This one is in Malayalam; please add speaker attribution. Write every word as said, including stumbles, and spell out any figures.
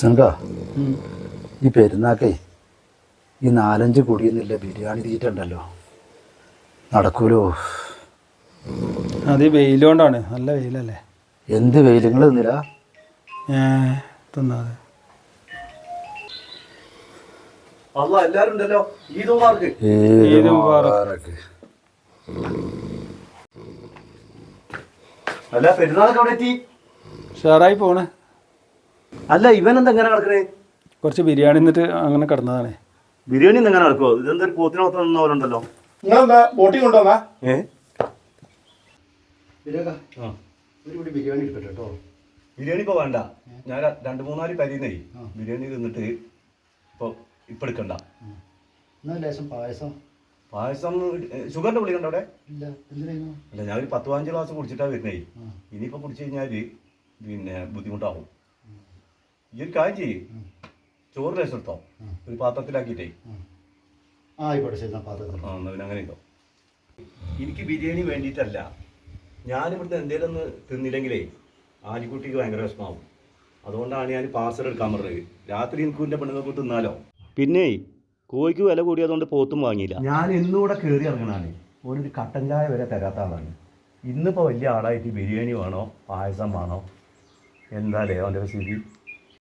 Speaker 1: സംഘ ഈ പെരുന്നാക്കേ ഈ നാലഞ്ച് കുടിയൊന്നുമില്ല ബിരിയാണി തീറ്റുണ്ടല്ലോ നടക്കൂലോ.
Speaker 2: അത് വെയിലുകൊണ്ടാണ്, നല്ല വെയിലല്ലേ.
Speaker 1: എന്ത് വെയിലുങ്ങൾ തിന്നില്ല
Speaker 2: തിന്നാതെ
Speaker 3: എല്ലാരും ഉണ്ടല്ലോ. ഈദ് മുബാറക്ക്.
Speaker 2: ഈദ് മുബാറക്ക്.
Speaker 3: അല്ല പെരുന്നാളൊക്കെ അവിടെ എത്തി.
Speaker 2: ഷെയറായി പോണ്.
Speaker 3: അല്ല ഇവൻ എന്താ എങ്ങനെ കിടക്കണേ?
Speaker 2: കുറച്ച് ബിരിയാണി എന്നിട്ട് അങ്ങനെ കിടന്നതാണ്.
Speaker 3: ബിരിയാണി എങ്ങനെ നടക്കുമോ? ഇതെന്താ ഒരു പോത്തിനെ മൊത്തം നിന്ന പോലെ ഉണ്ടല്ലോ.
Speaker 4: നിങ്ങളെന്താ ബോട്ടിംഗ് കൊണ്ടുവന്നാ?
Speaker 3: ഏ
Speaker 1: ബിരിയാണി എടുക്കട്ടെ കേട്ടോ.
Speaker 3: ബിരിയാണി ഇപ്പൊ വേണ്ട. ഞാൻ രണ്ട് മൂന്നാല് പരിന്നേ ബിരിയാണി തിന്നിട്ട് ഇപ്പൊ ഇപ്പൊ എടുക്കണ്ട.
Speaker 1: ലേശം പായസം.
Speaker 3: പായസം ഷുഗറിന്റെ പുളി കണ്ട അവിടെ?
Speaker 1: ഇല്ല. എന്തിനായിരുന്നു?
Speaker 3: അല്ല ഞാൻ ഒരു പത്ത് പതിനഞ്ച് ഗ്ലാസ് കുടിച്ചിട്ടാ വരുന്നേ. ഇനിയിപ്പോ കുടിച്ചു കഴിഞ്ഞാല് പിന്നെ ബുദ്ധിമുട്ടാവും. ഈ ഒരു കാര്യം ചെയ്യ്, ചോറ് ലേശം എടുത്തോ, ഒരു പാത്രത്തിലാക്കിയിട്ടേ.
Speaker 1: ആ ആയിക്കോട്ടെ ശരി. പാത്രത്തിൽ
Speaker 3: ആ എന്നാ പിന്നെ അങ്ങനെ ഉണ്ടോ. എനിക്ക് ബിരിയാണി വേണ്ടിയിട്ടല്ല, ഞാനിവിടുത്തെ എന്തെങ്കിലും ഒന്ന് തിന്നില്ലെങ്കിലേ ആലിക്കുട്ടിക്ക് ഭയങ്കര വിഷമാവും. അതുകൊണ്ടാണ് ഞാൻ പാർസൽ എടുക്കാൻ പറഞ്ഞത്. രാത്രി എനിക്ക് എൻ്റെ പെണ്ണുങ്ങൾക്ക് തിന്നാലോ. പിന്നെ കോഴിക്ക് വില കൂടിയതുകൊണ്ട് പോത്തും വാങ്ങിയില്ല. ഞാൻ ഇന്നുകൂടെ കയറി ഇറങ്ങണാണ്. ഓനൊരു കട്ടൻ ചായ വരെ തരാത്ത ആളാണ്. ഇന്നിപ്പോൾ വലിയ ആളായിട്ട് ബിരിയാണി വേണോ പായസം വേണോ എന്താ അവൻ്റെ സ്ഥിതി?